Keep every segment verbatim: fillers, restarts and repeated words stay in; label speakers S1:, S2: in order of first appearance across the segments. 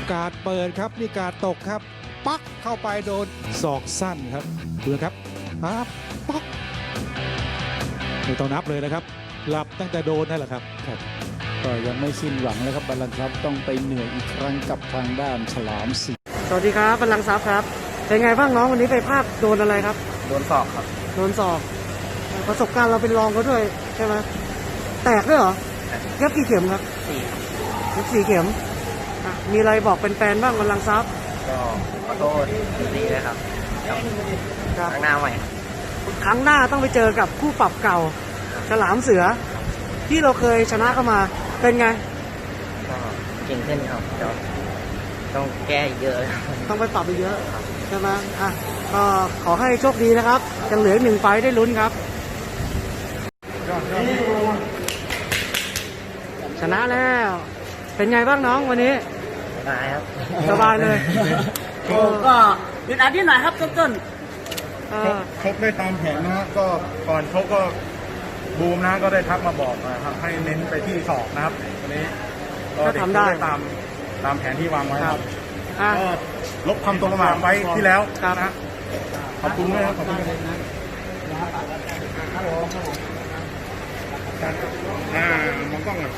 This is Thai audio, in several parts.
S1: การเปิดครับนี่การตกครับปักเข้าไปโดนศอกสั้นครับดูนะครับครับปักไม่ต้องนับเลยนะครับหลับตั้งแต่โดนนั่นแหละครับครับ
S2: ก็ยังไม่สิ้นหวังเลยครับบัลลังก์ทรัพย์ต้องไปเหนื่อยอีกครั้งกับทางด้านฉลามสี
S3: สวัสดีครับบัลลังก์ทรัพย์ครับเป็นไงบ้างน้องวันนี้ไปพลาดโดนอะไรครับ
S4: โดนศอกครับ
S3: โดนศอกประสบการณ์เราเป็นรองเขาด้วยใช่ไหมแตกด้วยเหรอเย็บกี่เข็มครับ
S4: สี่
S3: เย็บสี่เข็มมีอะไรบอกเป็นแฟนบ้างบัลลังก์ทรัพย์
S4: ก็ขอโทษดีเลยครับครั้งหน้าใหม่
S3: ครั้งหน้าต้องไปเจอกับคู่ปรับเก่าฉลามเสือที่เราเคยชนะเข้ามาเป็นไง
S4: ก็เก่งขึ้นครับเดี๋ยวต้องแก้เยอะ
S3: ต้องไปปรับไปเยอะใช่ไหมอ่ะก็ขอให้โชคดีนะครับยังเหลือหนึ่งไฟได้ลุ้นครับชนะแล้วเป็นไงบ้างน้องวันนี้
S4: สบายครับ
S3: สบายเลย
S5: โอ้ก็อึดอัดนิดหน่อยครับต้น
S6: ๆชกได้ตามแผนนะฮะก็ก่อนชกก็บูมนะก็ได้ทักมาบอกนะครับให้เน้นไปที่ศอกนะครับวันนี้ก็เด็กได้ตามตามแผนที่วางไว้ครับก็ลบความตัวประมาทไว้ที่แล้วนะขอบคุณด้วยครับขอบคุณนะอ่ามองกล้องอ่ะ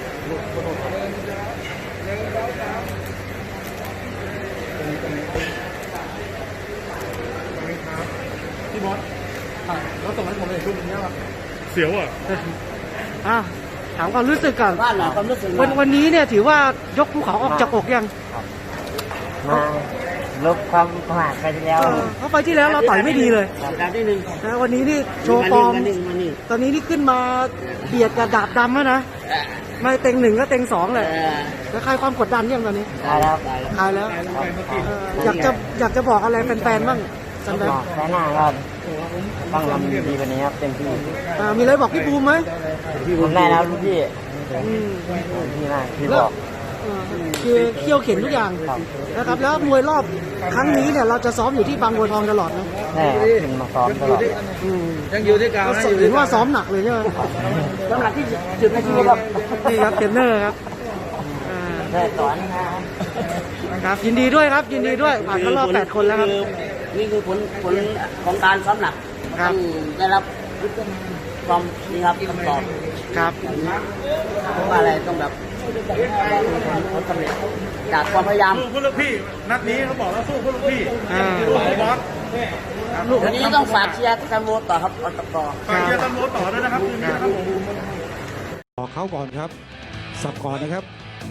S6: พี่บอสแล้วส่งให้ผมเลยรูปนี้ว่าเสียวอ่ะ
S3: อ่ะถามความรู้สึกก่อน
S5: บ้านเราความรู้สึก
S3: วันวันนี้เนี่ยถือว่ายกภูเขาออกจากอกยัง
S4: มาลบความประมาทไปที่แล้ว
S3: เพราะไปที่แล้วเราต่อยไม่ดีเลย
S5: การที่หนึ่ง
S3: นะวันนี้นี่โชว์ฟอร์มตอนนี้นี่ขึ้นมาเบียดกับดาบดำแล้วนะไม่เต็งหนึ่งก็เต็งสองเลยแล้วคลายความกดดันยังตอนนี้
S4: คลายแล้ว
S3: คลายแล้วอยากจะอยากจะบอกอะไรแฟนๆบ้างสันดาน
S4: แค่หน้าครับต้องทำดีวันนี้ครับเต็มที่
S3: มีอะไรบอกพี่ภูมิไหม
S4: ผมได้แล้วลูกพี่พี่น่าพี่บอก
S3: คือเขี่ยวเข็นทุกอย่างนะครับแล้วมวยรอบครั้งนี้เนี่ยเราจะซ้อมอยู่ที่บางบัวทองตลอดนะ
S4: ใช่ถึงมาซ้อมตลอด
S3: ยังอยู่ที่การเห็นว่าซ้อมหนักเลยใช่ไหม
S5: สำหรับที่จุดในชีวิตครับ
S3: นี่ครับเทรนเนอร์ครับ
S4: ได้สอน
S3: ครับยินดีด้วยครับยินดีด้วยผ่านเข้ารอบแปดคนแล้วครับ
S5: นี่คือผลผลของการซ้อมหนักต้องได้รับความนี่ครับคำตอบ
S3: ครับ
S5: เพราะว่าอะไรต้องแบบผลสำเร็จจากความพยายาม
S6: สู้ลูกพี่นัดนี้เขาบอกแล้วสู้ลูกพี่สู้บอส
S5: วันนี้ต้องฝากเชียร์กันโวต่อครับอตก
S6: ฝากเชียร์กันโวต่อด้วยนะครับคืนนี้ครับผม
S1: ออกเขาก่อนครับสับก่อนนะครับ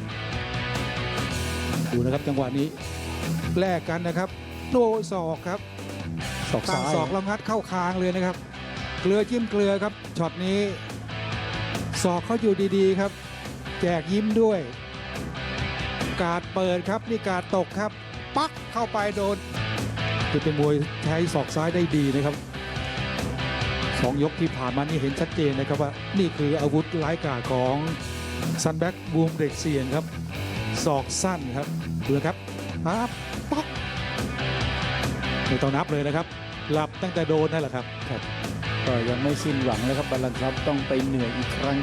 S1: ดูนะครับจังหวะนี้แลกกันนะครับโดยศอกครับ
S2: ศอกซ้าย
S1: ศอกลำงัดเข้าคางเลยนะครับเกลือจิ้มเกลือครับช็อตนี้ศอกเขาอยู่ดีๆครับแจกยิ้มด้วยการเปิดครับนี่การตกครับปักเข้าไปโดนคือเป็นมวยใช้ศอกซ้ายได้ดีนะครับสองยกที่ผ่านมานี่เห็นชัดเจนนะครับว่านี่คืออาวุธร้ายกาจของซันแบ็กบูมเด็กเซียนครับศอกสั้นครับดูนะครับปั๊บปักไม่ต้องนับเลยนะครับหลับตั้งแต่โดนนั่นแหละครับ
S2: ครับก็ยังไม่สิ้นหวังเลยครับบัลลังก์ทรัพย์ต้องไปเหนื่อยอีกครั้ง